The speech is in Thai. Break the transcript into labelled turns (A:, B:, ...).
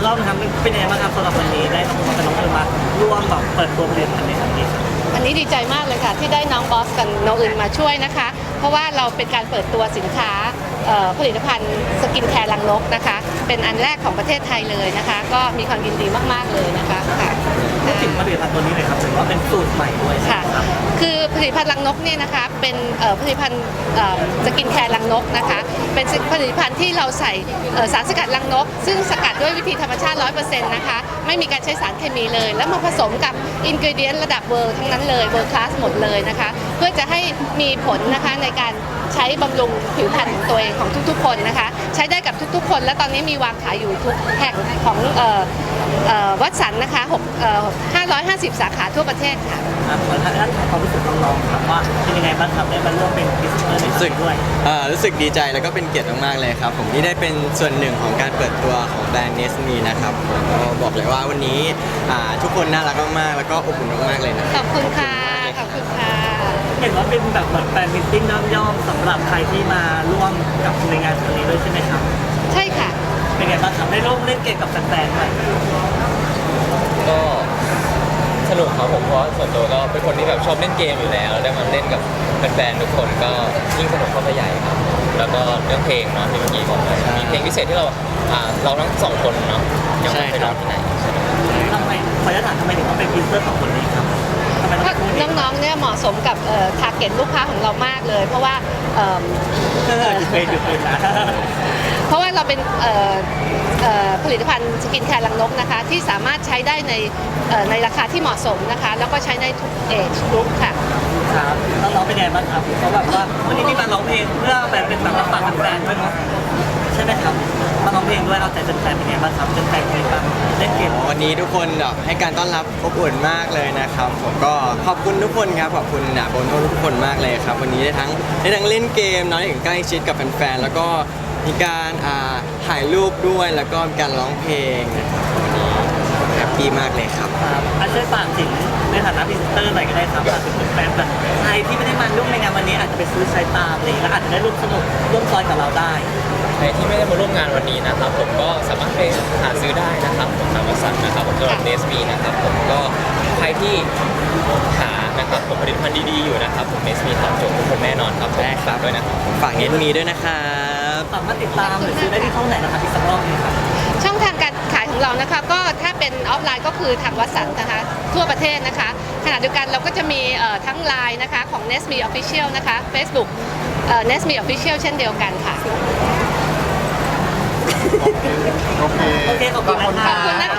A: ต้อมครับเป็นยังไงบ้างครับสำหรับวันนี้ได้น้องบอสกับน้องเอิญมาร่วมแบบเปิดตัวผลิตภัณฑ์ในครั้งนี้ครับ
B: วันนี้ดีใจมากเลยค่ะที่ได้น้องบอสกับน้องอื่นมาช่วยนะคะ เพราะว่าเราเป็นการเปิดตัวสินค้าผลิตภัณฑ์สกินแคร์รังนกนะคะเป็นอันแรกของประเทศไทยเลยนะคะ ก็มีความยินดีมากๆเลยนะคะค่ะ
A: พูดถึงผลิตภัณฑ์ตัวนี้เลยครับถือว่าเป็นสูตรใหม่ด้วยใช่
B: ค่ะ
A: ไหมครับ
B: คือผลิตภัณฑ์รังนกเนี่ยนะคะเป็นผลิตภัณฑ์สกินแคร์รังนกนะคะเป็นผลิตภัณฑ์ที่เราใส่สารสกัดรังนกซึ่งสกัดด้วยวิธีธรรมชาติ 100% นะคะไม่มีการใช้สารเคมีเลย แล้วมาผสมกับอินกรีเดียนระดับเวอร์ทั้งนั้นเลยเวอร์คลาสหมดเลยนะคะเพื่อจะให้มีผลนะคะในการใช้บำรุงผิวพรรณของตัวเองของทุกๆคนนะคะใช้ได้กับทุกๆคนและตอนนี้มีวางขายอยู่ทุกแห่งของวัดสันนะคะ550 สาขาทั่วประเทศค่ะ
A: ขอท่านความรู้สึกน้องๆครับว่าเป็นยังไงบ้างครับได้มาร่วมเป็นพรีเซนเตอร์ในครั้งนี้ด้วย
C: รู้สึกดีใจแล้วก็เป็นเกียรติมากๆเลยครับผมที่ได้เป็นส่วนหนึ่งของการเปิดตัวของแบรนด์เนสมีนะครับผมก็บอกเลยว่าวันนี้ทุกคนน่ารักมากๆแล้วก็อบอุ่นมากๆเลยนะ
B: ขอบคุณค่ะขอบคุณค่ะ
A: เห็นว่าเป็นแบบเหมือนแฟนมิตติ้งย่อมๆสำหรับใครที่มาร่วมกับในงานครั้งนี้ด้วยใช่ไหมครับ
B: ใช่ค่ะ
A: เป็นไงบ้างครับได้ร่วมเล่นเกมกับแฟนๆไหม
D: ก็สนุกครับผมเพราะส่วนตัวก็เป็นคนที่แบบชอบเล่นเกมอยู่แล้วได้มาเล่นกับแฟนๆทุกคนก็ยิ่งสนุกเข้าไปใหญ่ครับแล้วก็เรื่องเพลงเนาะที่เมื่อกี้บอกไปมีเพลงพิเศษที่เราทั้งสองคนเนาะยังไม่เคยร้องที่ไหนใช่ไหม
A: ทำไมขออนุญาตถามทำไมถึงต้องเป็นพรีเซนเตอร์ของคนนี้ครับทำไมต้อง
B: เพราะ
A: เป็นคนนี้
B: น้องๆเนี่ยเหมาะสมกับทาร์เก็ตลูกค้าของเรามากเลย เพราะว่า
A: หยุดเป็นนะ
B: เพราะว่าเราเป็นผลิตภัณฑ์สกินแคร์รังนกนะคะที่สามารถใช้ได้ในราคาที่เหมาะสมนะคะแล้วก็ใช้ในทุกเอจกรุ๊ปค่ะ
A: ครับน้องๆเป็นไงบ้างครับเขาแบบว่าวันนี้ที่มาร้องเพลงเพื่อแบบเป็นแบบรับฟังแฟนๆด้วยเนาะใช่ไหมครับมาร้องเพลงด้วยเอาใจแฟนๆเป็นไงบ้างครับแฟนๆเป็นไงบ้างเล่นเกม
C: วันนี้ทุกคนแบบให้การต้อนรับอบอุ่นมากเลยนะครับผมก็ขอบคุณทุกคนครับขอบคุณโบนทุกคนมากเลยครับวันนี้ได้ทั้งเล่นเกมเนาะได้ถึงใกล้ชิดกับแฟนๆแล้วก็มีการถ่ายรูปด้วยแล้วก็มีการร้องเพลงนะครับวันนี้แฮปปี้มากเลยครับ
A: ครับช่วยฝากถึงในฐานะพรีเซนเตอร์หน่อยก็ได้ครับฝากถึงแฟนๆแบบใครที่ไม่ได้มาร่วมในงานวันนี้อาจจะไปซื้อใช้ตามเลยแล้วอาจจะได้ร่วมสนุกร่วมซอยกับเราได้
D: ใครที่ไม่ได้มาร่วมงานวันนี้นะครับผมก็สามารถไปหาซื้อได้นะครับผมตามวัดสันนะครับผมสำหรับเนสมีนะครับผมก็ใครที่หานะครับผมผลิตภัณฑ์ดีๆอยู่นะครับผมเนสมีตอบโจทย์ทุกคนแน่นอนครับผมฝากด้วยนะครับ
C: ฝากเนสมีด้วยนะครับ
A: สามารถติดตามหรือซื้อได้ที่ช่องไหนนะครับอีกสักรอบนึงครับ
B: ช่องทางการขายของเรานะคะก็ถ้าเป็นออฟไลน์ก็คือทางวัดสันนะคะทั่วประเทศนะคะขณะเดียวกันเราก็จะมีทั้งไลน์นะคะของ Nesme Official นะคะ Facebook Nesme Official เช่นเดียวกันค่ะ
E: โอเค
A: โอเคขอบคุณนะค
B: ข
A: รั
B: อบคุณนะ